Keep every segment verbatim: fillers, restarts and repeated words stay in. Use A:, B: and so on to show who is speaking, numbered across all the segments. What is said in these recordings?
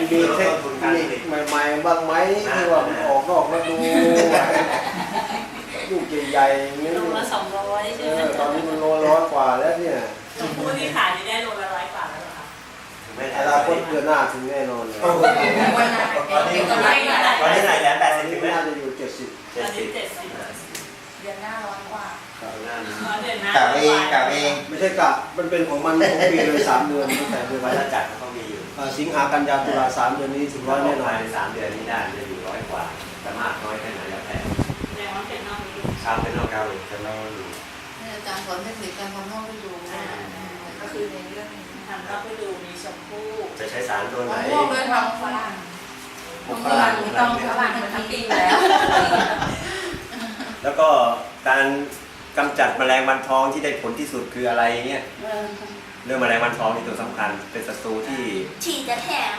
A: มีเทคนิคใหม่ๆบ้างไหมที่ว่ามันออกนอกฤดูลูกใหญ่ๆอย่างนี้
B: โลละสองร้อยใช่ไหม
A: ตอนนี้มันโลร้อยกว่าแล้วเนี่ย
B: ชมพู่ที่ขายนี่ได้โลละร้อยกว่าแล้วเหรอคะ
A: อนาคตเดือนหน้าถึงแน่นอนเลย
C: วันนั้น
D: ตอนนี้ตอนนี้ไหนแล้วแปดสิบถึงไหม
A: น่าจะอยู่เจ็ดสิบ
B: ตอนนี้เจ็ดสิบ
C: เดือนหน้าร้อนกว่า
B: เดือนหน้าก
E: ะเองกะเอง
A: ไม่ใช่กะมันเป็นของมันของปีเลยสามเดือนตั้งแต่เดือน
D: วัฏจักรเขามีอยู่
A: สิงหากันยาตุลาสามเดือนนี้ถึงร้อยแน่นอน
D: ภายในสามเดือนนี้ได้จะอยู่ร้อยกว่าแต่มากน้อยแค่ไหนแล้วแต่
B: แสดงว่าเป็นนอกฤดู
D: ชาวเป็นนอกเกาหลีจะนอกอยู่
C: อาจารย์สอนเทคนิคการทำห้องไปดูก็คือในเรื่อง
B: ทำนอกฤดูมีชมพู่
D: จะใช้สารตัวไหน
C: มะม่วงด้วยทำฝรั่งฝรั่งไม่ต้องฝรั่งมันทั้งปีแล้ว
D: แล้วก็การกำจัดแมลงวันทองที่ได้ผลที่สุดคืออะไรเงี้ยเรื่องแมลงวันทองนี่ตัวสำคัญเป็นศัตรูที่
B: ฉีดจะแถม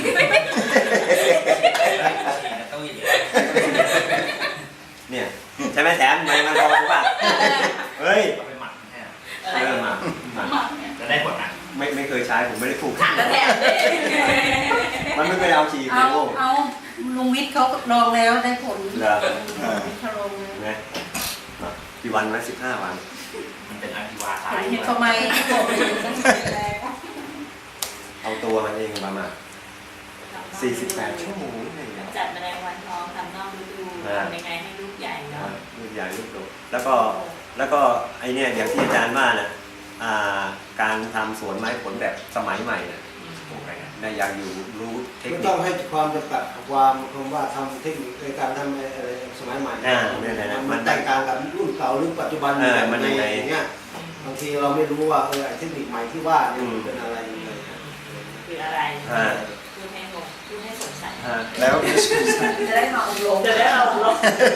D: เนี่ยใช่ไหมแถมแมลงวันทองรู้ป่ะเฮ้ย
F: เอาไปหมักแห้ง
D: เริ่มมามา
F: จะได้ผลนะ
D: ไม่ไม่เคยใช้ผมไม่ได้ปลูก
B: จะแถม
D: มันไม่เคยเอาฉีด
C: เอา
D: โอ้
C: เอาลุงวิทย์เขาลองแล้วได้ผล
D: เหรอ
C: เขาลงแล้ว
D: ไงกี่วันนะสิบห้าวัน
F: มันเป็นอาชีวะตา
C: เห็
F: ย
C: นทำไมบอกตั้งแต่แรก
D: เอาตัวมันเองประมาณสี่สิบแปดชั่วโมงนี่เอง
B: จัดแมลงวันทองทำนอกฤดูทำยังไงให้ลูกใหญ่เนาะ
D: ลูกใหญ่ลูกโตแล้วก็แล้วก็ไอเนี่ยอย่างที่อาจารย์ว่านะอ่าการทำสวนไม้ผลแบบสมัยใหม่นะนะอยากอยู่รู้เทค
A: ไม่
D: นิ
A: ต้อ
D: ค
A: งให้ความจำกัดความคำว่าทำเทคนิคในการทำอะไรสมัยใหม่มันแตกต่างกับรุ่นเก่าหรือปัจจุบันอย่างเงี้ยบางทีเราไม่รู้ว่าเออเทคนิคใหม่ที่ว่าเนี่ยมันเป็นอะไรยังไง
B: คืออะไร
D: อ่า
B: พูดให้งงพูดให้สงสัย
D: อ่าแล้ว
C: จะได้มาอบรม
B: จะได้เราลบ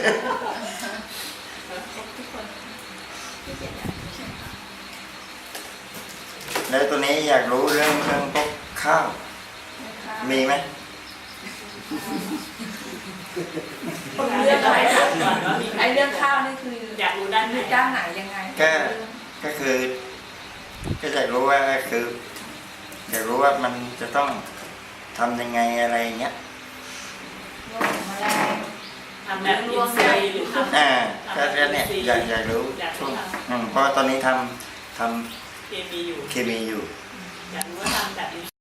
B: ทุกคนที่เขียนเนี่ย
E: แล้วตัวนี้อยากรู้เรื่องเรื่องพวกข้าวมีไหม
B: เรื่องอะไรถามก่อนว่ามี
C: ไอเรื่องข้าวนี่คือ
B: อยากรู้ด้านไหน
C: คือด้านไหนยังไง
E: ก็ก็คือ ก็อยากรู้ว่าคืออยากรู้ว่ามันจะต้องทำยังไงอะไรเงี้ย
B: ทำแบบอินซีหรือทำ
E: อ่าก็ก็เนี่ยอยากอยากรู้ช่วงอืมเพราะตอนนี้ทำท
B: เคมีอยู่
E: ำเคมีอยู่
B: อยากรู้ว่าทำแบบอิน